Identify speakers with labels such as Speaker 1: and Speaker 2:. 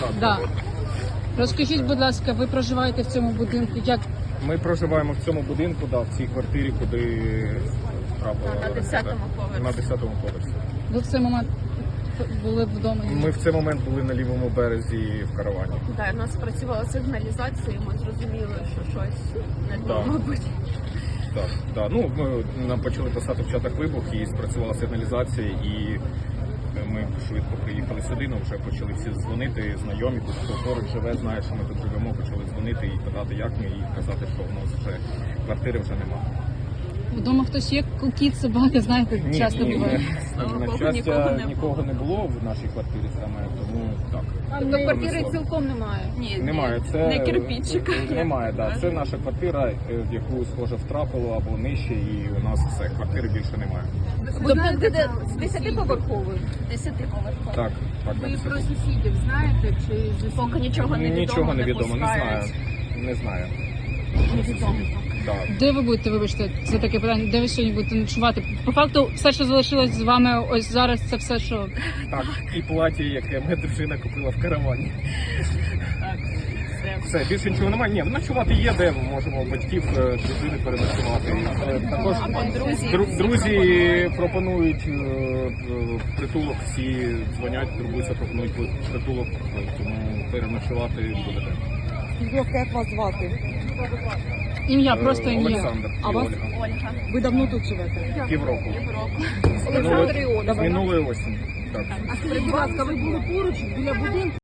Speaker 1: Да. Розкажіть, будь ласка, ви проживаєте в цьому будинку? Як
Speaker 2: Ми проживаємо в цьому будинку, в цій квартирі, куди трапила
Speaker 3: На 10-му поверсі.
Speaker 2: На 10-му поверсі.
Speaker 1: ви в цей момент були вдома?
Speaker 2: Ми в цей момент були на лівому березі в каравані.
Speaker 3: Так, у нас працювала сигналізація, і ми зрозуміли, що щось не то,
Speaker 2: Да.
Speaker 3: мабуть.
Speaker 2: Так. Ну, нам почали писати в чатах вибух і спрацювала сигналізація, і ми швидко приїхали сюди, вже почали всі дзвонити, знайомі, тут хто поруч живе, знає, що ми тут живемо, почали дзвонити і питати, як ми, і казати, що в нас вже квартири вже немає.
Speaker 1: Вдома хтось є, кіт, собака, знаєте, часто буває.
Speaker 2: На щастя, нікого не було в нашій квартирі саме, тому так.
Speaker 3: Тобто квартири цілком немає? Ні,
Speaker 2: Немає, це
Speaker 3: не кирпичика.
Speaker 2: Немає, да. Це наша квартира, в яку схоже втрапило або нижче, і у нас все, квартири більше немає.
Speaker 3: Тобто буде з 10-поверховою? 10-поверховою.
Speaker 2: Так,
Speaker 4: Ви
Speaker 2: на
Speaker 4: про
Speaker 2: 10.
Speaker 4: сусідів знаєте, чи
Speaker 3: Поки нічого не відомо,
Speaker 2: Нічого не відомо, не знаю.
Speaker 3: пускають.
Speaker 2: Не знаю.
Speaker 4: невідомо?
Speaker 2: Так.
Speaker 1: Де ви будете, вибачте, це таке питання, де ви сьогодні будете ночувати? По факту, все, що залишилось з вами ось зараз, це все, що...
Speaker 2: Так, і плаття, яке моя дружина купила в каравані. Все, більше нічого немає. Ні, ночувати є, де ми можемо батьків, дружини переночувати. Також друзі пропонують притулок, всі дзвонять, турбуються, пропонують притулок, тому переночувати буде.
Speaker 5: Будь ласка, як вас звати?
Speaker 1: Ім'я, просто ім'я.
Speaker 2: Олександр і
Speaker 5: А вас?
Speaker 2: Ольга.
Speaker 3: Ольга.
Speaker 5: Ви давно тут живете?
Speaker 2: Півроку.
Speaker 3: Олександр і Ольга.
Speaker 2: З минулої осені. Так.
Speaker 4: А скажіть, будь ласка, ви були поруч біля будинку?